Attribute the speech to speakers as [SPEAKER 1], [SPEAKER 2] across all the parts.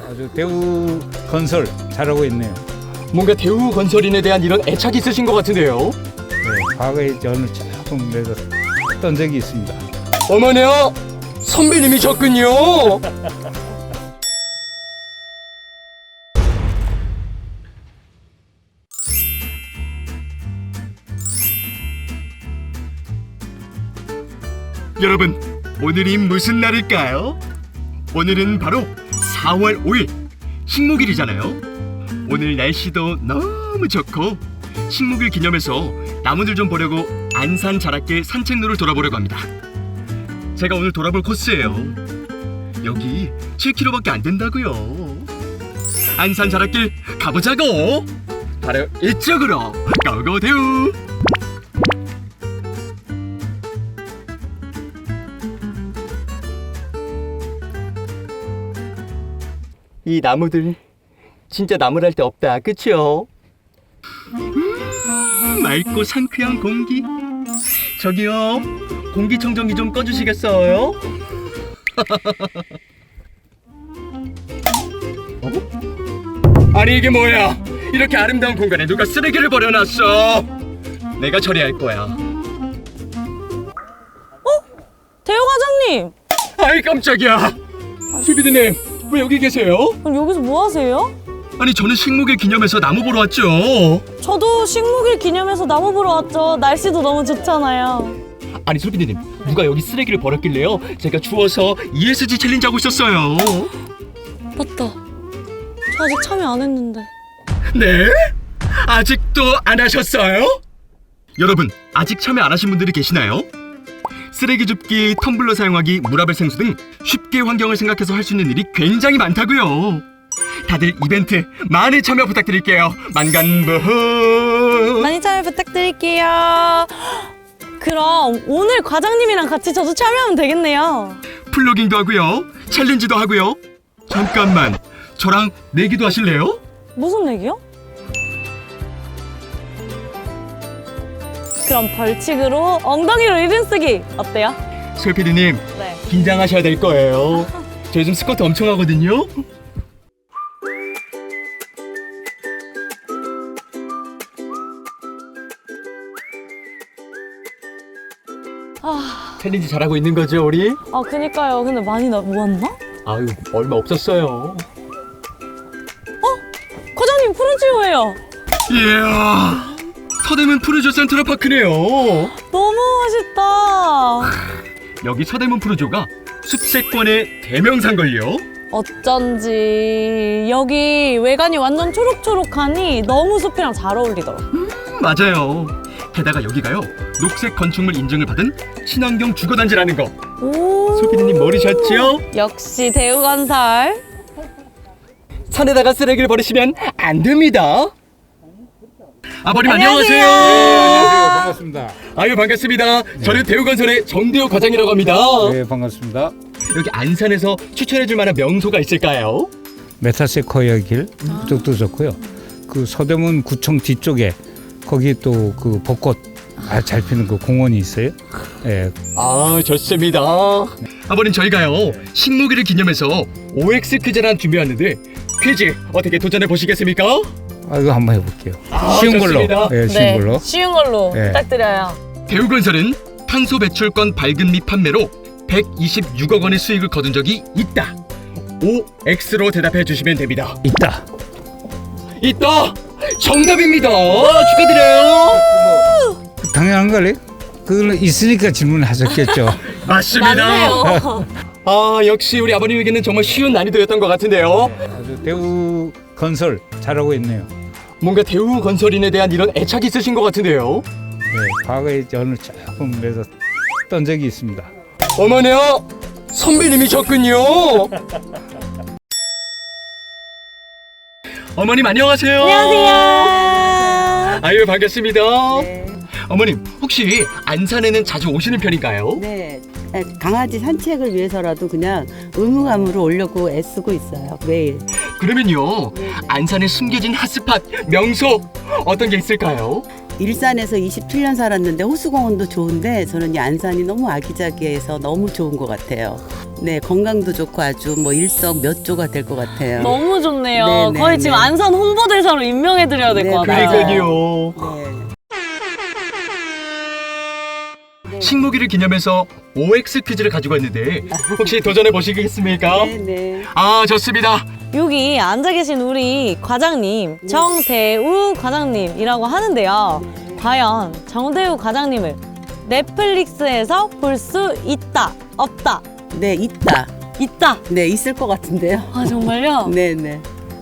[SPEAKER 1] 아주 대우 건설 잘하고 있네요.
[SPEAKER 2] 뭔가 대우 건설인에 대한 이런 애착이 있으신 것 같은데요.
[SPEAKER 1] 네, 과거에 저는 조금 그래도 했던 적이 있습니다.
[SPEAKER 2] 어머니요, 선배님이셨군요. 여러분, 오늘이 무슨 날일까요? 오늘은 바로 4월 5일 식목일이잖아요. 오늘 날씨도 너무 좋고 식목일 기념해서 나무들 좀 보려고 안산 자락길 산책로를 돌아보려고 합니다. 제가 오늘 돌아볼 코스예요. 여기 7km밖에 안 된다고요. 안산 자락길 가보자고. 바로 이쪽으로 고고대우. 이 나무들 진짜 나무랄 데 없다, 그치요? 맑고 상쾌한 공기. 저기요, 공기청정기 좀 꺼주시겠어요? 아니 이게 뭐야? 이렇게 아름다운 공간에 누가 쓰레기를 버려놨어? 내가 처리할 거야.
[SPEAKER 3] 대우 과장님!
[SPEAKER 2] 아이 깜짝이야. 수비드님, 왜 여기 계세요?
[SPEAKER 3] 그럼 여기서 뭐 하세요?
[SPEAKER 2] 아니 저는 식목일 기념해서 나무 보러 왔죠.
[SPEAKER 3] 저도 식목일 기념해서 나무 보러 왔죠. 날씨도 너무 좋잖아요.
[SPEAKER 2] 아니 소비드님, 누가 여기 쓰레기를 버렸길래요? 제가 주워서 ESG 챌린지 하고 있었어요.
[SPEAKER 3] 맞다. 저 아직 참여 안 했는데.
[SPEAKER 2] 네? 아직도 안 하셨어요? 여러분, 아직 참여 안 하신 분들이 계시나요? 쓰레기 줍기, 텀블러 사용하기, 물아벨 생수 등 쉽게 환경을 생각해서 할 수 있는 일이 굉장히 많다고요. 다들 이벤트 많이 참여 부탁드릴게요. 만간부호.
[SPEAKER 3] 많이 참여 부탁드릴게요. 그럼 오늘 과장님이랑 같이 저도 참여하면 되겠네요.
[SPEAKER 2] 플로깅도 하고요, 챌린지도 하고요. 잠깐만, 저랑 내기도 하실래요?
[SPEAKER 3] 무슨 얘기요? 그럼 벌칙으로 엉덩이로 이름 쓰기 어때요?
[SPEAKER 2] 솔피디님,
[SPEAKER 3] 네.
[SPEAKER 2] 긴장하셔야 될 거예요. 저 요즘 스쿼트 엄청 하거든요. 챌린지 잘하고 있는 거죠, 우리?
[SPEAKER 3] 그니까요. 근데 많이 모았나?
[SPEAKER 2] 아유, 얼마 없었어요.
[SPEAKER 3] 과장님 푸른치오예요.
[SPEAKER 2] 이야, 서대문 푸르조 센트럴파크네요.
[SPEAKER 3] 너무 멋있다.
[SPEAKER 2] 여기 서대문 푸르조가 숲세권의 대명사인걸요.
[SPEAKER 3] 어쩐지 여기 외관이 완전 초록초록하니 너무 숲이랑 잘 어울리더라.
[SPEAKER 2] 맞아요. 게다가 여기가요, 녹색 건축물 인증을 받은 친환경 주거단지라는 거.
[SPEAKER 3] 오.
[SPEAKER 2] 소피디님 모르셨죠?
[SPEAKER 3] 역시 대우건설.
[SPEAKER 2] 산에다가 쓰레기를 버리시면 안 됩니다. 아버님
[SPEAKER 3] 안녕하세요.
[SPEAKER 1] 안녕하세요. 반갑습니다.
[SPEAKER 2] 아유 반갑습니다. 저는 대우건설의 정대우 과장이라고 합니다.
[SPEAKER 1] 네, 반갑습니다.
[SPEAKER 2] 여기 안산에서 추천해줄 만한 명소가 있을까요?
[SPEAKER 1] 메타세코이아 길 그쪽도 좋고요. 그 서대문 구청 뒤쪽에 거기 또 그 벚꽃 잘 피는 그 공원이 있어요. 예.
[SPEAKER 2] 아 좋습니다. 아버님 저희가요 식목일을 기념해서 OX 퀴즈를 준비했는데 퀴즈 어떻게 도전해 보시겠습니까?
[SPEAKER 1] 이거 한번 해볼게요.
[SPEAKER 2] 아,
[SPEAKER 1] 쉬운
[SPEAKER 2] 좋습니다.
[SPEAKER 1] 걸로. 예, 쉬운
[SPEAKER 3] 네,
[SPEAKER 1] 걸로.
[SPEAKER 3] 쉬운 걸로
[SPEAKER 1] 네.
[SPEAKER 3] 부탁드려요.
[SPEAKER 2] 대우건설은 탄소 배출권 발급 및 판매로 126억 원의 수익을 거둔 적이 있다. OX로 대답해 주시면 됩니다.
[SPEAKER 1] 있다.
[SPEAKER 2] 있다. 정답입니다. 축하드려요.
[SPEAKER 1] 당연한 거래. 그걸 있으니까 질문하셨겠죠.
[SPEAKER 2] 맞습니다.
[SPEAKER 3] 맞네요.
[SPEAKER 2] 아 역시 우리 아버님에게는 정말 쉬운 난이도였던 것 같은데요.
[SPEAKER 1] 아주 대우 건설 잘하고 있네요.
[SPEAKER 2] 뭔가 대우 건설인에 대한 이런 애착이 있으신 것 같은데요.
[SPEAKER 1] 네, 과거에 저는 조금 그래도 했던 적이 있습니다.
[SPEAKER 2] 어머니요, 선배님이셨군요. 어머님 안녕하세요.
[SPEAKER 3] 안녕하세요.
[SPEAKER 2] 아유 반갑습니다.
[SPEAKER 4] 네.
[SPEAKER 2] 어머님 혹시 안산에는 자주 오시는 편인가요?
[SPEAKER 4] 네. 강아지 산책을 위해서라도 그냥 의무감으로 오려고 애쓰고 있어요. 매일.
[SPEAKER 2] 그러면요 안산에 숨겨진 핫스팟 명소 어떤 게 있을까요?
[SPEAKER 4] 일산에서 27년 살았는데 호수공원도 좋은데 저는 이 안산이 너무 아기자기해서 너무 좋은 것 같아요. 네, 건강도 좋고 아주 뭐 일석몇조가 될 것 같아요.
[SPEAKER 3] 너무 좋네요.
[SPEAKER 4] 네, 네,
[SPEAKER 3] 거의 지금
[SPEAKER 4] 네.
[SPEAKER 3] 안산 홍보대사로 임명해드려야 될 것
[SPEAKER 4] 네,
[SPEAKER 3] 같아요.
[SPEAKER 2] 그러니까요.
[SPEAKER 4] 네.
[SPEAKER 2] 식목일을 기념해서 OX 퀴즈를 가지고 왔는데 혹시 도전해 보시겠습니까?
[SPEAKER 4] 네, 네.
[SPEAKER 2] 아, 좋습니다.
[SPEAKER 3] 여기 앉아 계신 우리 과장님 정대우 과장님이라고 하는데요. 과연 정대우 과장님을 넷플릭스에서 볼 수 있다 없다?
[SPEAKER 4] 네, 있다.
[SPEAKER 3] 있다.
[SPEAKER 4] 네, 있을 것 같은데요.
[SPEAKER 3] 아 정말요?
[SPEAKER 4] 네, 네.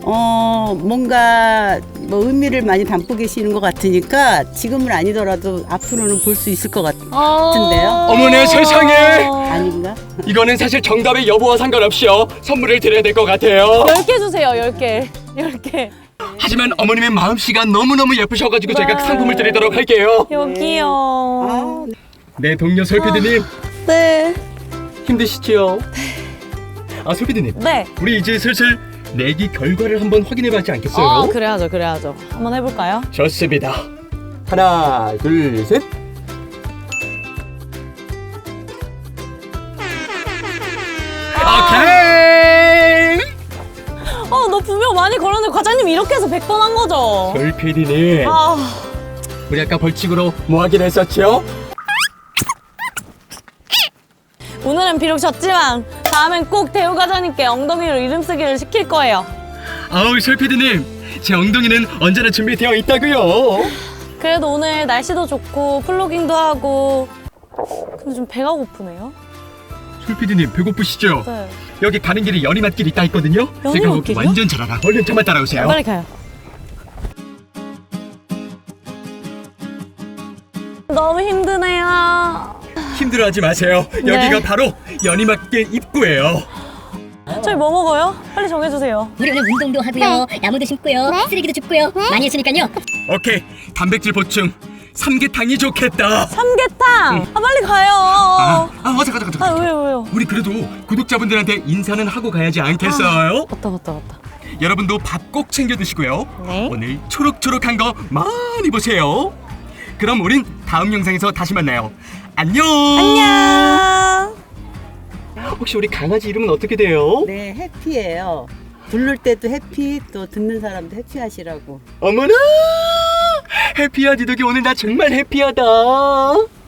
[SPEAKER 4] 뭔가 뭐 의미를 많이 담고 계시는 것 같으니까 지금은 아니더라도 앞으로는 볼 수 있을 것 같은데요.
[SPEAKER 2] 어머나 세상에!
[SPEAKER 4] 아닌가?
[SPEAKER 2] 이거는 사실 정답의 여부와 상관없이요. 선물을 드려야 될 것 같아요.
[SPEAKER 3] 10개 주세요. 10개. 10개.
[SPEAKER 2] 하지만 어머님의 마음씨가 너무너무 예쁘셔가지고
[SPEAKER 3] 네.
[SPEAKER 2] 저희가 상품을 드리도록 할게요.
[SPEAKER 3] 여기요.
[SPEAKER 4] 아,
[SPEAKER 2] 네, 동료 설피디님
[SPEAKER 3] 네.
[SPEAKER 2] 힘드시지요? 아, 설피디님.
[SPEAKER 3] 네.
[SPEAKER 2] 우리 이제 슬슬 내기 결과를 한번 확인해봐지 않겠어요?
[SPEAKER 3] 그래야죠. 그래야죠. 한번 해볼까요?
[SPEAKER 2] 좋습니다. 하나, 둘, 셋. 오케이!
[SPEAKER 3] 너 분명 많이 걸었는데 과장님 이렇게 해서 100번 한 거죠?
[SPEAKER 2] 설피디님,
[SPEAKER 3] 아,
[SPEAKER 2] 우리 아까 벌칙으로 뭐 하기로 했었죠?
[SPEAKER 3] 오늘은 비록 졌지만 다음엔 꼭 대우 과장님께 엉덩이로 이름 쓰기를 시킬 거예요.
[SPEAKER 2] 아우, 설피디님, 제 엉덩이는 언제나 준비되어 있다고요.
[SPEAKER 3] 그래도 오늘 날씨도 좋고 플로깅도 하고 근데 좀 배가 고프네요.
[SPEAKER 2] 설피디님, 배고프시죠?
[SPEAKER 3] 네.
[SPEAKER 2] 여기 가는 길에 연희맛길 있다 했거든요. 제가 거기
[SPEAKER 3] 연희맛길이요?
[SPEAKER 2] 완전 잘 알아. 얼른 저만 따라오세요.
[SPEAKER 3] 빨리 가요. 너무 힘드네요.
[SPEAKER 2] 힘들어하지 마세요.
[SPEAKER 3] 네.
[SPEAKER 2] 여기가 바로 연희맛길 입구예요.
[SPEAKER 3] 저희 뭐 먹어요? 빨리 정해주세요.
[SPEAKER 5] 우리 오늘 운동도 하고요, 나무도 심고요, 쓰레기도 줍고요, 많이 했으니까요.
[SPEAKER 2] 오케이, 단백질 보충 삼계탕이 좋겠다.
[SPEAKER 3] 삼계탕! 아 빨리 가요.
[SPEAKER 2] 잠깐.
[SPEAKER 3] 왜요?
[SPEAKER 2] 우리 그래도 구독자분들한테 인사는 하고 가야지 않겠어요?
[SPEAKER 3] 맞다.
[SPEAKER 2] 여러분도 밥 꼭 챙겨 드시고요.
[SPEAKER 3] 네.
[SPEAKER 2] 오늘 초록초록한 거 많이 보세요. 그럼 우린 다음 영상에서 다시 만나요. 안녕.
[SPEAKER 3] 안녕.
[SPEAKER 2] 혹시 우리 강아지 이름은 어떻게 돼요?
[SPEAKER 4] 네, 해피예요. 부를 때도 해피, 또 듣는 사람도 해피하시라고.
[SPEAKER 2] 어머나! 해피하디 덕이 오늘 나 정말 해피하다.